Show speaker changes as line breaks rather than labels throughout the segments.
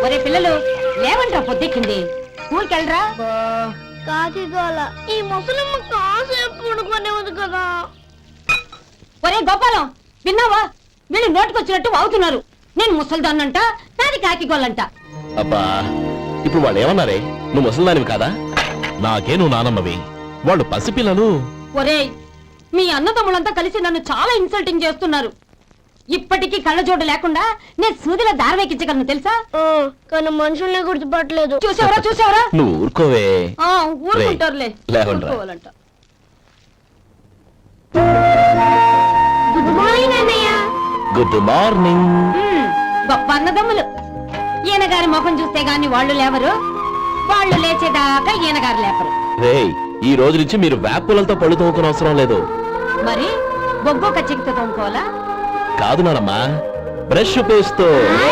ఒరే పిల్లలు లేవంట్రా, పొద్దెక్కింది. స్కూల్కి వెళ్ళరా.
కాకిగోల ఈ ముసలమ్మ కాసేపు పడుకునేది కదా.
ఒరే గోపాలం, విన్నావా? వీళ్ళు నోటికొచ్చినట్టు వాగుతున్నారు. నేను ముసల్దాన్నంట, నాది కాకిగోలంట.
అబ్బా, ఇప్పుడు వాళ్ళు ఏమన్నారే? నువ్వు ముసలిదానివి కాదా? నాకే నువ్వు నానమ్మవి, వాళ్ళు పసిపిల్లలు.
ఒరే, మీ అన్నదమ్ములంతా కలిసి నన్ను చాలా ఇన్సల్టింగ్ చేస్తున్నారు. ఇప్పటికీ కళ్ళజోడు లేకుండా నేను సూదిలో దారవేకించగలను తెలుసా?
కానీ మనుషుల్ని గుర్తుపట్టలేదు.
చూసావరా చూసావరా?
నువ్వు ఊరుకోవే.
ఊరుకుంటారులే.
లేవండ్రా.
గుడ్ మార్నింగ్ అన్నయ్య.
Good morning.
గొప్ప అన్నదమ్ములు. ఈయనగారి ముఖం చూస్తే గాని వాళ్ళు లేవరు, వాళ్ళు లేచేదాకా ఈయనగారు లేపరు.
రేయ్, ఈ రోజు నుంచి మీరు వేపులతో పళ్ళు తోముకునే అవసరం లేదు.
మరి బొగ్గు కచ్చికితో తోముకోవాలా?
కాదు నానమ్మా, బ్రష్ పేస్తో.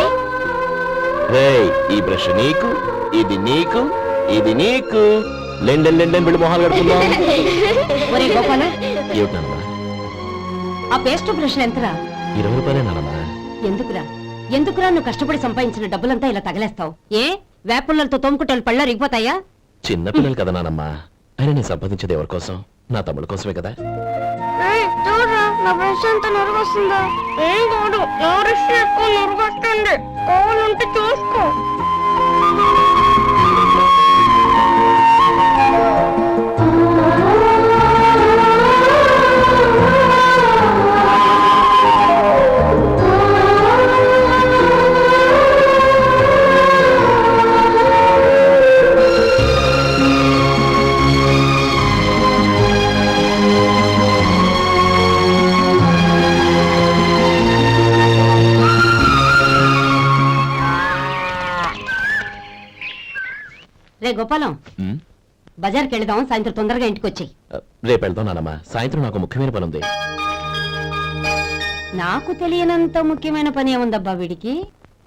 రేయ్, ఈ బ్రష్ నీకు, ఇది నీకు, ఇది నీకు. లెండెన్ లెండెన్ బిల్లు మొహాలు కడుతుందా?
ఒరే గోపాల,
ఏమిటి నానమ్మా?
ఆ పేస్ట్ బ్రష్ ఎంతరా?
20 రూపాయలే నానమ్మా.
ఎందుకురా ఎందుకురా నువ్వు కష్టపడి సంపాదించిన డబ్బులంతా ఇలా తగలేస్తావు? ఏ వేపుల్లలతో తోముకుంటే పళ్ళ రిగిపోతాయా?
చిన్న పిల్లలు కదా నానమ్మా. అయినా నేను సంపాదించేది ఎవరి కోసం? నా తమ్ముడు కోసమే కదా.
చూడరా, నా బ్రష్ ఎంత నొరగొస్తుందో. ఏం కాదు, నా బ్రష్ ఎక్కువ నొరగొస్తుంది. కావాలంటే చూసుకో.
రే గోపాలం, బజార్కి వెళదాం, సాయంత్రం తొందరగా ఇంటికి వచ్చాయి.
రేపు వెళ్దాం నానమ్మా. సాయంత్రం నాకు ముఖ్యమైన పని ఉంది.
నాకు తెలియనంత ముఖ్యమైన పని ఏముందబ్బా వీడికి?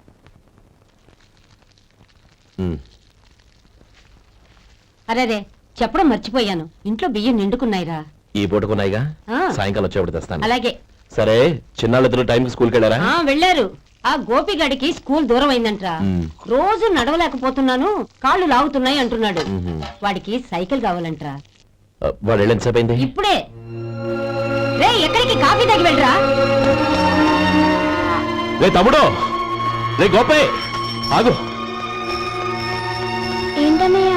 అరే చెప్పడం మర్చిపోయాను, ఇంట్లో బియ్యం నిండుకున్నాయిరా.
ఈ పూటకున్నాయిగా, సాయంకాలం వచ్చేప్పుడు తెస్తాను.
అలాగే.
సరే, చిన్నాళ్ళిద్దరు టైంకి స్కూల్కి వెళ్ళారా?
వెళ్ళారు. ఆ గోపిగడికి స్కూల్ దూరం అయిందంట్రా. రోజు నడవలేకపోతున్నాను, కాళ్ళు లాగుతున్నాయి అంటున్నాడు. వాడికి సైకిల్ కావాలంట్రా.
వాడు ఎంతసేపు అయింది?
ఇప్పుడే. రే, ఎక్కడికి? కాఫీ తాగి వెళ్ళరా.
రే తమ్ముడు, రే గోపే, ఆగు.
ఏంటన్నయ్య?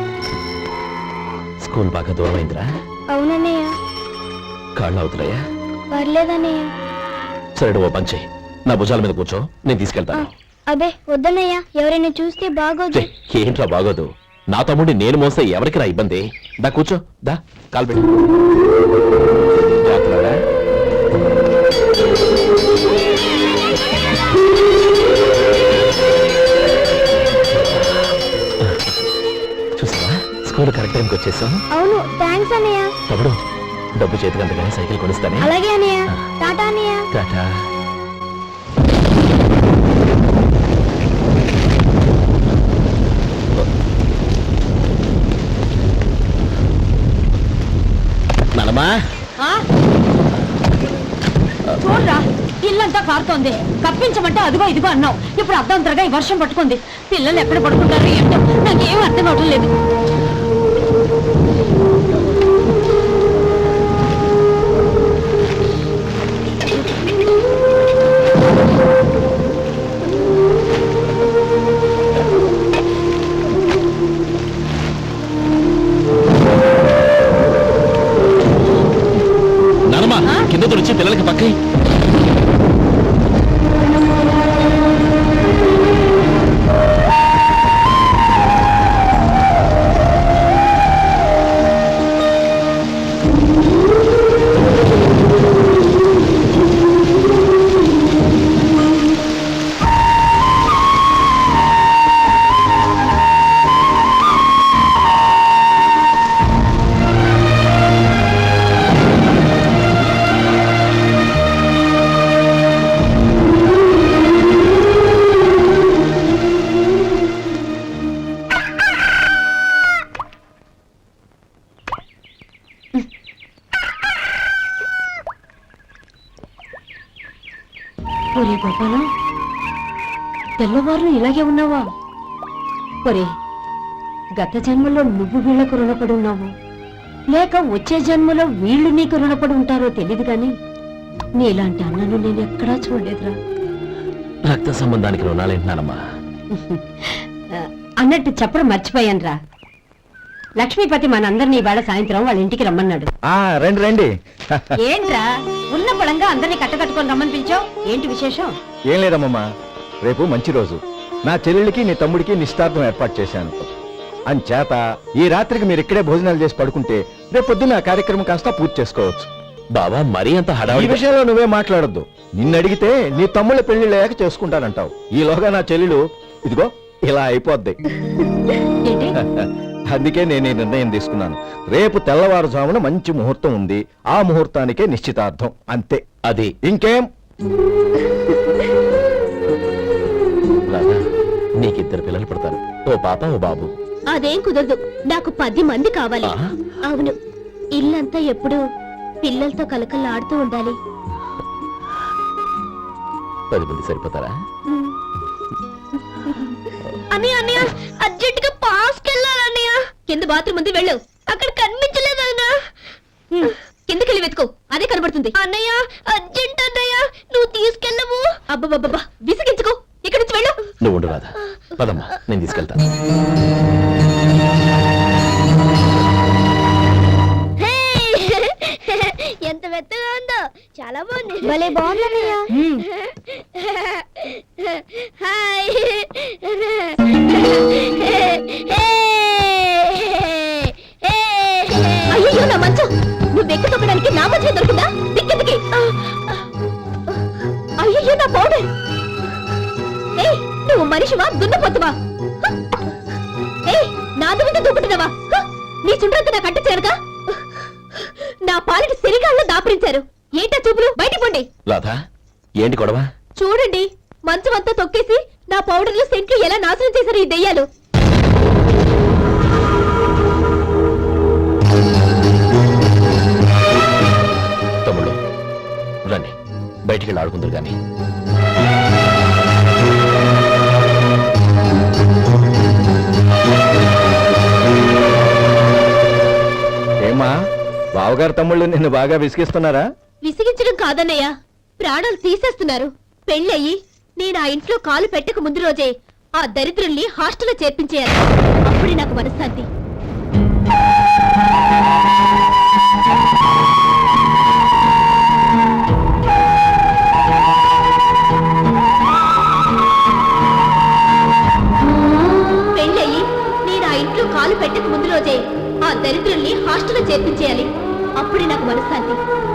స్కూల్ బాగా దూరం అయిందిరా.
అవునన్నయ్య.
కాళ్ళు అవుతున్నాయా?
పర్లేదన్నయ్య.
సరే, ఓ పంచే, నా భుజాల మీద కూర్చో, నేను తీసుకెళ్తాను.
అబే వద్దన్నయ్య, ఎవరైనా చూస్తే బాగోదు.
ఏంట్రా బాగోదు? నా తమ్ముడిని నేను మోస్తే ఎవరికి రా ఇబ్బంది? దా కూర్చో, దా కాలు పెట్టు. జాగ్రత్తగా. చూసావా, స్కూల్ కరెక్ట్ టైంకి వచ్చేసాం.
అవును, థ్యాంక్స్ అన్నయ్య.
తమ్ముడు, డబ్బు చేతికి అంతగానే సైకిల్ కొనిస్తానే.
అలాగే అన్నయ్య. టాటా అన్నయ్య.
టాటా.
చూడరా, ఇల్లంతా కారుతోంది. కప్పించమంటే అదిగో ఇదిగో అన్నావు, ఇప్పుడు అర్ధంతరగా ఈ వర్షం పట్టుకుంది. పిల్లలు ఎక్కడ పడుకుంటారు ఏంటో నాకేం అర్థం అవడం లేదు.
కింద తుడిచి పిల్లలకి పక్కై. ఒరే గోపాలం, తెల్లవారు ఇలాగే ఉన్నావా?
ఒరే గత జన్మలో నువ్వు వీళ్లకు రుణపడి ఉన్నావు లేక వచ్చే జన్మలో వీళ్ళు నీకు రుణపడి ఉంటారో తెలియదు గాని నీలాంటి అన్నను నేను ఎక్కడా చూడలేదురా.
రక్త సంబంధానికి రుణాలేంటున్నానమ్మా.
అన్నట్టు చెప్పడం మర్చిపోయానురా. లక్ష్మీపతి మనందరినీ ఇవాళ సాయంత్రం వాళ్ళ ఇంటికి రమ్మన్నాడు.
రండి రండి.
ఏంట్రా ఉన్న పొలంగా అందరినీ కట్టకట్టుకొని రమ్మని పిలిచావు? ఏంటి విశేషం?
ఏం లేదమ్మమ్మా, రేపు మంచి రోజు. నా చెల్లెళ్ళకి నీ తమ్ముడికి నిశ్చితార్థం ఏర్పాటు చేశాను. అంచేత ఈ రాత్రికి మీరు ఇక్కడే భోజనాలు చేసి పడుకుంటే రేపు పొద్దున్న ఆ కార్యక్రమం కాస్త పూర్తి చేసుకోవచ్చు.
బావా మరీ అంత
ఈ
హడావిడి
విషయంలో నువ్వే మాట్లాడొద్దు. నిన్ను అడిగితే నీ తమ్ముళ్ళ పెళ్లిళ్ళయ్యాక చేసుకుంటానంటావు. ఈలోగా నా చెల్లెలు ఇదిగో ఇలా అయిపోద్ది.
ఏంటి?
అందుకే నేను ఈ నిర్ణయం తీసుకున్నాను. రేపు తెల్లవారుజామున మంచి ముహూర్తం ఉంది. ఆ ముహూర్తానికే నిశ్చితార్థం, అంతే.
అది
ఇంకేం?
రాధా, నీకిద్దరు పిల్లలు పుడతారు, ఓ పాప ఓ బాబు.
అదేం కుదరదు, నాకు 10 మంది కావాలి.
ఆ?
అవును, ఇల్లంతా ఎప్పుడు పిల్లలతో కలకల్లాడుతూ ఉండాలి.
10 మంది సరిపోతారా?
అన్నయ్య అన్నయ్య, అర్జెంట్ గా పాస్కెళ్ళాలన్నయ్య. కింద బాత్రూమ్ ఉంది, వెళ్ళు. అక్కడ కనిపించలేదు అన్న. కిందకెళ్ళి వెతుకో, అదే కనబడుతుంది. అన్నయ్య అర్జెంట్ అన్నయ్య, నువ్వు తీసుకెళ్ళవు. అబ్బబ్బబ్బా, విసిగించుకో, ఇక్కడి నుంచి వెళ్ళు.
నువ్వు ఉండు రాధా, పదమ్మా నేను తీసుకెళ్తాను.
ఎంత మెత్తగా ఉందో, చాలా బాగుంది. భలే బాగుంది. హాయ్. అయ్యో నా మంచం, నువ్వు ఎక్కి తొక్కడానికి నా మంచం దొరికిందా? దిక్కెందుకి? అయ్యో నా పౌడర్. ఏయ్, నువ్వు మనిషివా దున్నపోతువా? ఏయ్, నా దుమ్మితో దుబ్బుతున్నావా? నీ చుండ్రంతా నా కట్టి చేరగా నా పాలిటి సిరిగాల్లో దాపురించారు. ఏంటా చూపులు? బయటికి పోండి.
రాధా, ఏంటి గొడవ?
చూడండి, మంచం అంతా తొక్కేసి నా పౌడర్లు సెంట్లు ఎలా నాశనం చేశారు ఈ దెయ్యాలు.
తమ్ముళ్ళు రండి, బయటికి వెళ్ళి ఆడుకుందరు గాని.
ఏమా, బావగారు తమ్ముళ్ళు నిన్ను బాగా విసిగిస్తున్నారా?
విసిగించడం కాదన్నయ్య, ప్రాణాలు తీసేస్తున్నారు. పెళ్ళయి నేను ఆ ఇంట్లో కాలు పెట్టక ముందు రోజే ఆ దరిద్రుల్ని హాస్టల్లో చేర్పించేయాలి. అప్పుడే నాకు మనశ్శాంతి. పెళ్ళయి నేను ఆ ఇంట్లో కాలు పెట్టక ముందు రోజే ఆ దరిద్రుల్ని హాస్టల్లో చేర్పించేయాలి. అప్పుడే నాకు మనశ్శాంతి.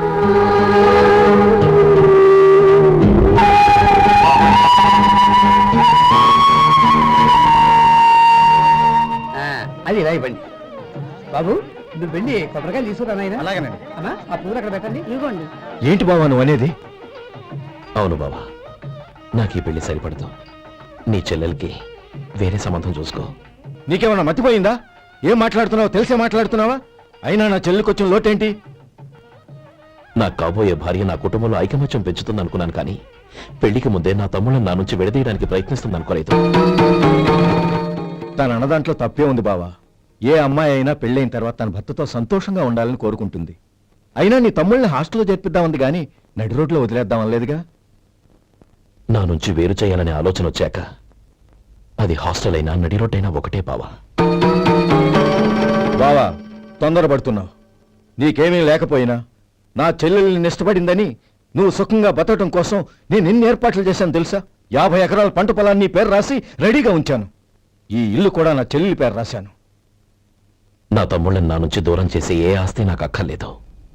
అది ఇలా ఇవ్వండి బాబు. నువ్వు వెళ్ళి కొబ్బరికాయలు తీసుకురా నాయనా. అలాగేనండి. అమ్మా, ఆ పూలు అక్కడ పెట్టండి. ఇవ్వండి.
ఏంటి బావా నువ్వు అనేది?
అవును బావా, నాకు ఈ పెళ్లి సరిపడదు. నీ చెల్లెలకి వేరే సంబంధం చూసుకో.
నీకేమన్నా మతిపోయిందా? ఏం మాట్లాడుతున్నావో తెలిసే మాట్లాడుతున్నావా? అయినా నా చెల్లికొచ్చిన లోటేంటి?
నా కాబోయే భార్య నా కుటుంబంలో ఐకమత్యం పెంచుతుంది అనుకున్నాను, కానీ పెళ్లికి ముందే నా తమ్ముళ్ళని నా నుంచి విడదీయడానికి ప్రయత్నిస్తుంది అనుకోలేదు.
తన అన్నదాంట్లో తప్పే ఉంది బావా. ఏ అమ్మాయి అయినా పెళ్ళైన తర్వాత తన భర్తతో సంతోషంగా ఉండాలని కోరుకుంటుంది. అయినా నీ తమ్ముళ్ళని హాస్టల్లో చేర్పిద్దామంది గాని నడి రోడ్లో వదిలేద్దామనలేదుగా.
నా నుంచి వేరు చేయాలనే ఆలోచన వచ్చాక అది హాస్టల్ అయినా నడి రోడ్డైనా ఒకటే బావా.
బావా, తొందరపడుతున్నావు. నీకేమీ లేకపోయినా నా చెల్లెల్ని ఇష్టపడిందని నువ్వు సుఖంగా బతకటం కోసం నేను ఎన్ని ఏర్పాట్లు చేశాను తెలుసా? 50 ఎకరాల పంట పొలాన్ని నీ పేరు రాసి రెడీగా ఉంచాను. ఈ ఇల్లు కూడా నా చెల్లెలి పేరు రాశాను.
నా తమ్ముళ్ళని నా నుంచి దూరం చేసే ఏ ఆస్తి నాకు అక్కర్లేదు.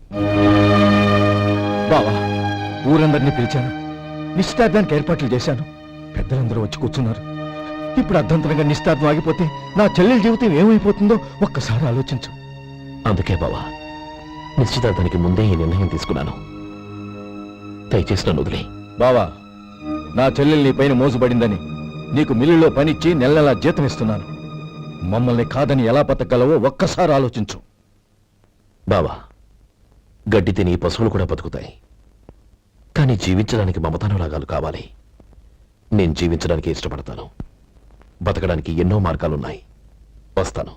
బావా, ఊరందరినీ పిలిచాను, నిశ్చితార్థానికి ఏర్పాట్లు చేశాను. పెద్దలందరూ వచ్చి కూర్చున్నారు. ఇప్పుడు అర్ధంతరంగా నిశ్చితార్థం ఆగిపోతే నా చెల్లెలి జీవితం ఏమైపోతుందో ఒక్కసారి ఆలోచించు.
అందుకే బావా, నిశ్చితార్థానికి ముందే ఈ నిర్ణయం తీసుకున్నాను. దయచేసి నన్ను వదిలే.
బావా, నా చెల్లెలు నీ పైన మోజుబడిందని నీకు మిల్లులో పనిచ్చి నెల నెలా జీతం ఇస్తున్నాను. మమ్మల్ని కాదని ఎలా బతకగలవో ఒక్కసారి ఆలోచించు.
బావా, గడ్డి తిని పశువులు కూడా బతుకుతాయి, కానీ జీవించడానికి మమతానురాగాలు కావాలి. నేను జీవించడానికి ఇష్టపడతాను. బతకడానికి ఎన్నో మార్గాలున్నాయి. వస్తాను.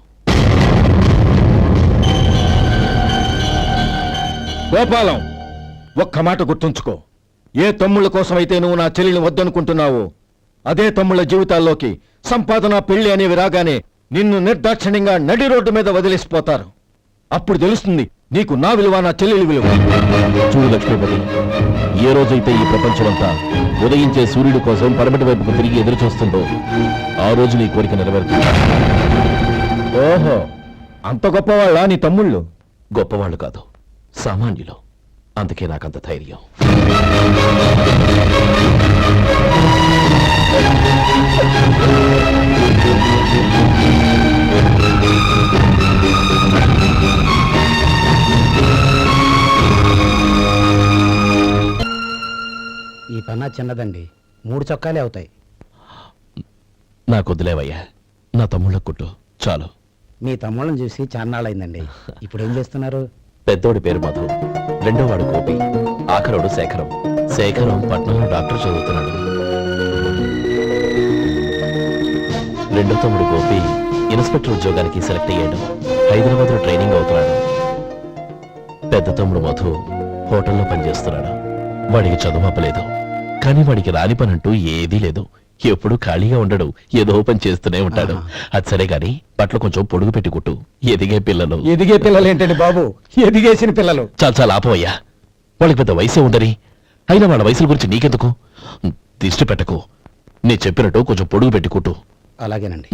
గోపాలం, ఒక్క మాట గుర్తుంచుకో. ఏ తమ్ముళ్ళ కోసమైతే నువ్వు నా చెల్లిని వద్దనుకుంటున్నావో అదే తమ్ముళ్ళ జీవితాల్లోకి సంపాదన, పెళ్లి అనేవి రాగానే నిన్ను నిర్దాక్షిణ్యంగా నడి రోడ్డు మీద వదిలేసిపోతారు. అప్పుడు తెలుస్తుంది నీకు నా విలువ, నా చెల్లెలి విలువ.
చూడు లక్ష్మీపతి, ఏ రోజైతే ఈ ప్రపంచమంతా ఉదయించే సూర్యుడి కోసం పడమటి వైపుకు తిరిగి ఎదురు చూస్తుందో ఆ రోజు నీ కోరిక నెరవేరుతుంది.
ఓహో, అంత గొప్పవాళ్ళ నీ తమ్ముళ్ళు?
గొప్పవాళ్ళు కాదు, సామాన్యులు. అందుకే నాకంత ధైర్యం.
ఈ పన్నా చిన్నదండి, 3 చొక్కాలే అవుతాయి.
నాకొద్దులేవయ్యా, నా తమ్ముళ్ళ కుట్టు చాలు.
మీ తమ్ముళ్ళని చూసి చాన్నాళ్ళైందండి. ఇప్పుడు ఏం చేస్తున్నారు?
పెద్దోడి పేరు మధు, రెండోవాడు గోపి, ఆఖరోడు శేఖరం. శేఖరం పట్నంలో డాక్టర్ చదువుతున్నాడు. రెండో తమ్ముడు గోపి ఇన్స్పెక్టర్ ఉద్యోగానికి సెలెక్ట్ అయ్యాడు. హైదరాబాద్లో ట్రైనింగ్ అవుతున్నాడు. పెద్ద తమ్ముడు మధు హోటల్లో పనిచేస్తున్నాడు. వాడికి చదువు అప్పలేదు, కానీ వాడికి రాని పని అంటూ ఏదీ లేదు. ఎప్పుడు ఖాళీగా ఉండడు, ఏదో పని చేస్తూనే ఉంటాడు. అది సరే గాని బట్టలు కొంచెం పొడుగు పెట్టి కుట్టు. ఎదిగే పిల్లలు.
ఎదిగే పిల్లలు ఏంటండి బాబు, ఎదిగేసిన పిల్లలు.
చాలా చాలా ఆపవయ్యా, వాళ్ళకి పెద్ద వయసే ఉందని. అయినా వాళ్ళ వయసుల గురించి నీకెందుకు? దిష్టి పెట్టకు. నీ చెప్పినట్టు కొంచెం పొడుగు పెట్టి కుట్టు.
అలాగేనండి.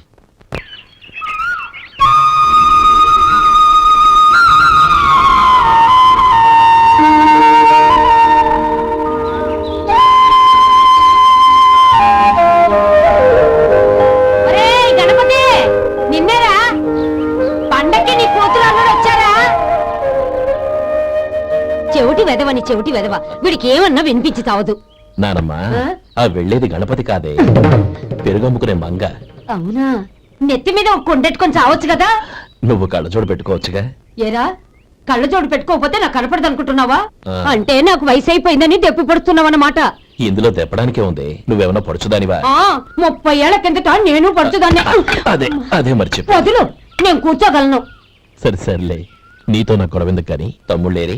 చెవిటి వెదవ, వీడికి ఏమన్నా వినిపించి తావదు.
నానమ్మా, ఆ వెళ్ళేది గణపతి కాదే, పెరుగమ్ముకునే మంగ.
అవునా? నెత్తి మీద ఒక కొండెట్టుకొని చావచ్చు కదా.
నువ్వు కళ్ళజోడు పెట్టుకోవచ్చుగా.
ఏరా, కళ్ళజోడు పెట్టుకోకపోతే నాకు కనపడదు అనుకుంటున్నావా? అంటే నాకు వయసు అయిపోయిందని దెప్పి పడుతున్నావన్నమాట.
ఇందులో తెప్పడానికే ఉంది. నువ్వేమన్నా పడుచుదానివా?
30 ఏళ్ల కిందట నేను పడుచుదాన్ని.
అదే అదే మరి చెప్పు.
వదులు, నేను కూర్చోగలను.
సరే సర్లే, నీతో నాకు గొడవెందుకు కానీ. తమ్ముళ్ళేరి?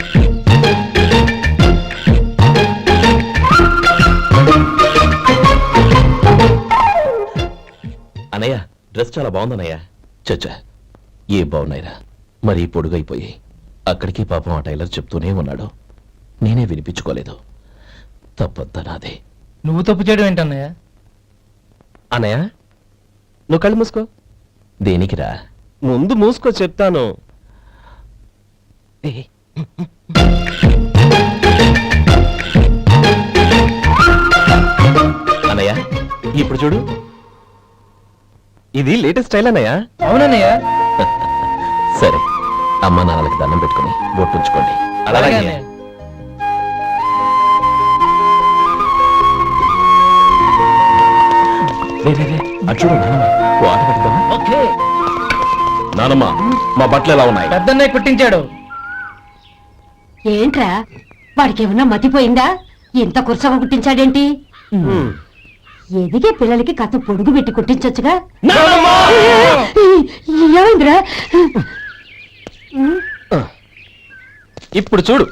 అన్నయ్య, డ్రెస్ చాలా బాగుందన్నయ్య. చచ్చా, ఏ బాగున్నాయిరా, మరీ పొడుగైపోయి. అక్కడికి పాపం ఆ టైలర్ చెప్తూనే ఉన్నాడు, నేనే వినిపించుకోలేదు. తప్పంతా నాదే.
నువ్వు తప్పు చేయడం ఏంటన్నయ్య?
అన్నయ్య, నువ్వు కళ్ళు మూసుకో. దేనికిరా?
ముందు మూసుకో చెప్తాను.
అన్నయ్య, ఇప్పుడు చూడు.
ఇది లేటెస్ట్ స్టైల్ అన్నయ్య. అవునన్నయ్య.
సరే, అమ్మా నాన్నలకి దండం పెట్టుకుని బొట్టుంచుకోండి. అలాగే
అన్నయ్య.
అటు చూడు నానమ్మ, ఓ ఆట పెట్టుకోమా?
ఓకే.
నానమ్మ, మా బట్టలు ఎలా ఉన్నాయి?
పెద్దన్నయ్య కుట్టించాడు.
ఏంట్రా, వాడికి ఏమన్నా మతిపోయిందా? ఇంత కుర్చగా కుట్టించాడేంటి? ఎదిగే పిల్లలకి కథ పొడుగు పెట్టి కుట్టించొచ్చుగా. ఏమైందిరా?
ఇప్పుడు చూడు.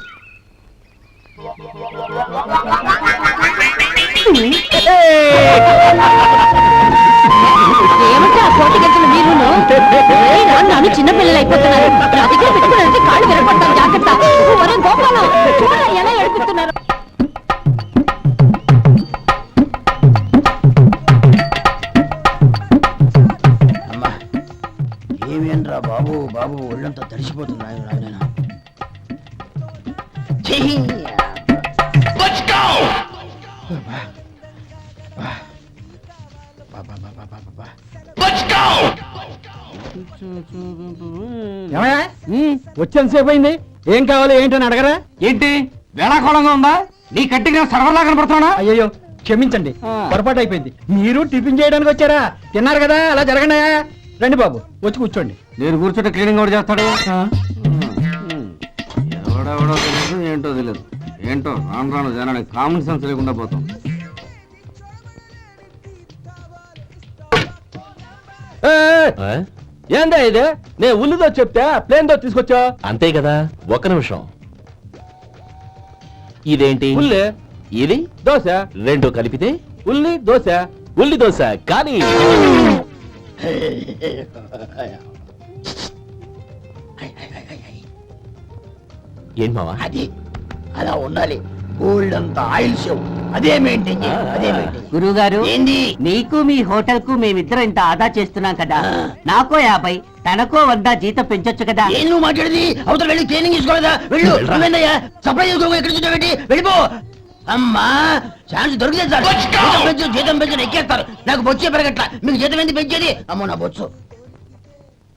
ఏమంటే ఆ కోటి గంటలు మీరు నన్ను చిన్న పిల్లలు అయిపోతున్నారు. నా దగ్గర పెట్టుకున్నారంటే కాళ్ళు విరగొడతాను, జాగ్రత్త. ఒరే గోపాలం, చూడరా ఎలా ఏడిపిస్తున్నారు.
ఏమేంట్రా బాబు, బాబు ఒళ్ళంతా తడిసిపోతుంది. వచ్చేంతసేపు అయింది, ఏం కావాలి ఏంటని అడగరా? ఏంటి వేళాకోళంగా ఉందా? నీ కట్టిగా సర్వర్లా కనపడుతున్నా? అయ్యో క్షమించండి, పొరపాటు అయిపోయింది. మీరు టిఫిన్ చేయడానికి వచ్చారా? తిన్నారు కదా, అలా జరగండి. రండి బాబు, వచ్చి కూర్చోండి. నేను కూర్చుంటే క్లీనింగ్ కూడా చేస్తాడు. ఎవడెవడో తెలియదు, ఏంటో తెలియదు. ఏంటో రాను రాను జనానికి కామన్ సెన్స్ లేకుండా పోతాం.
ఆ?
ఏందా ఇది నే ఉల్లిదో చెప్తే ప్లేన్ దో తీసుకొచ్చా
అంతే కదా ఒక్క నిమిషం ఇదేంటి
ఉల్లి
ఇది
దోశ
రెండు కలిపితే
ఉల్లి దోశ
ఉల్లి దోశ కానీ ఏం మావా
అది అలా ఉండాలి గోల్డ్ అంత ఆయిల్ షో అదే మెయింటైన్ చేయాలి అదే మెయింటైన్
గురువుగారు
ఏంది
నీకు మీ హోటల్ కు మేమిద్దరం ఇంత ఆదా చేస్తున్నాం కదా నాకో 50 తనకో 100 జీతం పెంచొచ్చు కదా
ఏం నువ్వు మాట్లాడేది అవతల వెళ్ళి ట్రైనింగ్ తీసుకోలేదా వెళ్ళు నువ్వేందయ్యా సప్లై చేసుకో ఎక్కడ చూసావేంటి వెళ్ళిపో అమ్మా ఛాన్స్ దొరికితే చాలు జీతం పెంచు ఎక్కేస్తారు నాకు బొచ్చే పెరగట్ల మీకు జీతం ఎందుకు పెంచేది అమ్మో నా బొచ్చు